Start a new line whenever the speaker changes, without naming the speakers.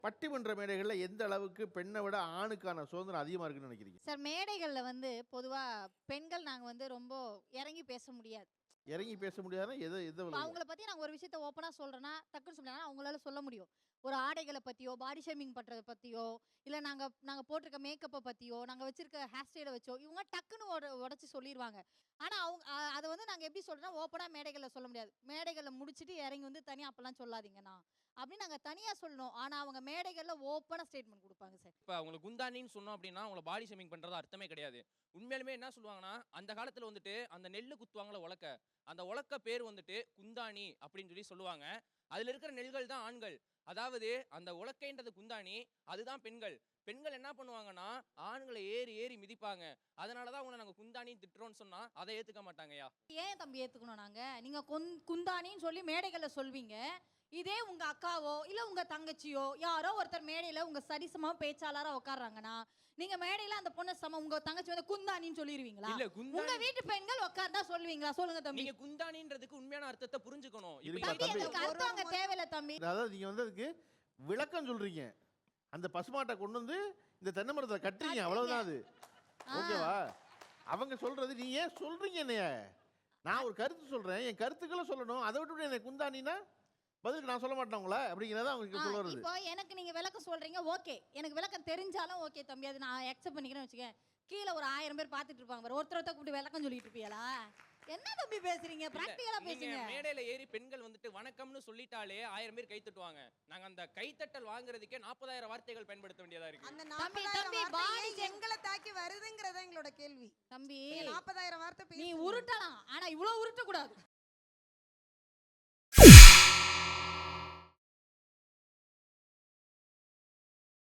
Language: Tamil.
பட்டிமன்ற மேடைகள்ல எந்த அளவுக்கு பெண்ணை விட ஆணுக்கான சுதந்திரம் அதிகமா இருக்குன்னு நினைக்கிறீங்க?
சார் மேடைகள்ல வந்து பொதுவா பெண்கள் நாங்க வந்து ரொம்ப இறங்கி பேச முடியாது.
இறங்கி பேச முடியாதுன்னா எது எது
இப்ப அவங்கள பத்தி நாங்க ஒரு விஷயத்த ஓப்பனா சொல்றேன்னா, டக்குன்னு சொல்லலாம் அவங்களால சொல்ல முடியும். ஒரு ஆடைகள பத்தியோ, பாடி ஷேமிங் பண்றத பத்தியோ, இல்ல நாங்க நாங்க போட்டிருக்க மேக்கப்ப பத்தியோ, நாங்க வச்சிருக்க ஹேர் ஸ்டைல வச்சோ, இவங்க டக்குன்னு உடைச்சு சொல்லிருவாங்க. ஆனா அவங்க அத வந்து நாங்க எப்படி சொல்றோம்னா, ஓப்பனா மேடைகள்ல சொல்ல முடியாது. மேடைகள்ல முடிச்சுட்டு இறங்கி வந்து தனியா அப்பலாம் சொல்லாதீங்கண்ணா, அப்படின்னு நாங்க தனியா சொல்லணும். ஆனா அவங்க மேடைகள்ல ஓப்பனா ஸ்டேட்மெண்ட் குடுப்பாங்க சார்.
இப்ப அவங்கள குந்தாணின்னு சொன்னோம் அப்படின்னா, அவங்கள பாடி ஷேமிங் பண்றது அர்த்தமே கிடையாது. உண்மையாலுமே என்ன சொல்லுவாங்கன்னா, அந்த காலத்துல வந்துட்டு அந்த நெல்லு குத்துவாங்கல்ல உலக்க. அந்த உலக்க பேர் வந்துட்டு குந்தாணி அப்படின்னு சொல்லுவாங்க. அதுல இருக்கிற நெல்கள் தான் ஆண்கள். அதாவது அந்த உலக்கைன்றது குந்தாணி, அதுதான் பெண்கள். பெண்கள் என்ன பண்ணுவாங்கன்னா, ஆண்கள ஏறி ஏறி மிதிப்பாங்க. அதனால தான் அவங்கள நாங்க குந்தாணின்னு திட்டுறோம்னு சொன்னா, அத ஏத்துக்க மாட்டாங்கய்யா.
ஏன் தம்பி ஏத்துக்கணும் நாங்க? நீங்க குந்தாணின்னு சொல்லி மேடைகள்ல சொல்வீங்க. இதே உங்க அக்காவோ, இல்ல உங்க தங்கச்சியோ, யாரோ ஒருத்தர் மேடையில உங்க சரிசமா பேச்சாளரா உட்கார்றாங்கன்னா, நீங்க மேடையில அந்த பொண்ண உங்க தங்கச்சி வந்து குந்தாணின்னு சொல்லிருவீங்களா?
இல்ல
உங்க வீட்டு பெண்கள் உட்கார்ந்தா சொல்லுவீங்களா? சொல்லுங்க தம்பி.
நீங்க குந்தாணின்றதுக்கு உண்மையான அர்த்தத்தை புரிஞ்சுக்கணும்.
இருப்பா,
இப்ப
தம்பி
தம்பி.
எங்களுக்கு அர்த்தம் அங்க தேவையில்ல தம்பி.
அதாவது நீங்க வந்து அதுக்கு விளக்கம் சொல்றீங்க. அந்த பசுமாட்டை கொண்டு வந்து இந்த தென்னை மரத்துல கட்டுறீங்க, அவ்வளவுதான் அது. ஓகேவா? அவங்க சொல்றது நீ ஏன் சொல்றீங்க என்னைய? நான் ஒரு கருத்து சொல்றேன், என் கருத்துக்களை சொல்லணும். அதை விட்டு என்னை குந்தாணின்னா பதிலுக்கு நான் சொல்ல மாட்டேன் உங்கள அப்படிங்கிறத அவங்க சொல்ல வருது.
இப்போ எனக்கு நீங்க விளக்கம் சொல்றீங்க, ஓகே. எனக்கு விளக்கம் தெரிஞ்சாலும் ஓகே தம்பி. அது நான் அக்செப்ட் பண்ணிக்கிறேன்னு வச்சுக்கேன். கீழ ஒரு 1000 பேர் பார்த்துட்டு இருப்பாங்க பாரு. ஒருத்தர் கூப்பிட்டு விளக்கம் சொல்லிட்டு இருப்பீங்களா? என்ன தம்பி பேசுறீங்க? பிராக்டிகலா
நீங்க
பேசுங்க.
மேடையில ஏறி பெண்கள் வந்துட்டு வணக்கம்னு சொல்லிட்டாலே 1000 பேர் கை தட்டுவாங்க. நாங்க அந்த கைத்தட்டல் வாங்குறதுக்கே 40,000 வார்த்தைகள் பயன்படுத்த வேண்டியதா இருக்கு.
அந்த
தம்பி,
40,000
தம்பி,
வார்த்தை
body
ஏன்
check.
எங்களை தாக்கி வருதுங்கிறத எங்களோட கேள்வி.
தம்பி,
நீங்க 40,000 வார்த்தை
நீ
பேசுறீங்க.
உருட்டலாம். ஆனா இவ்ளோ உருட்ட கூடாது.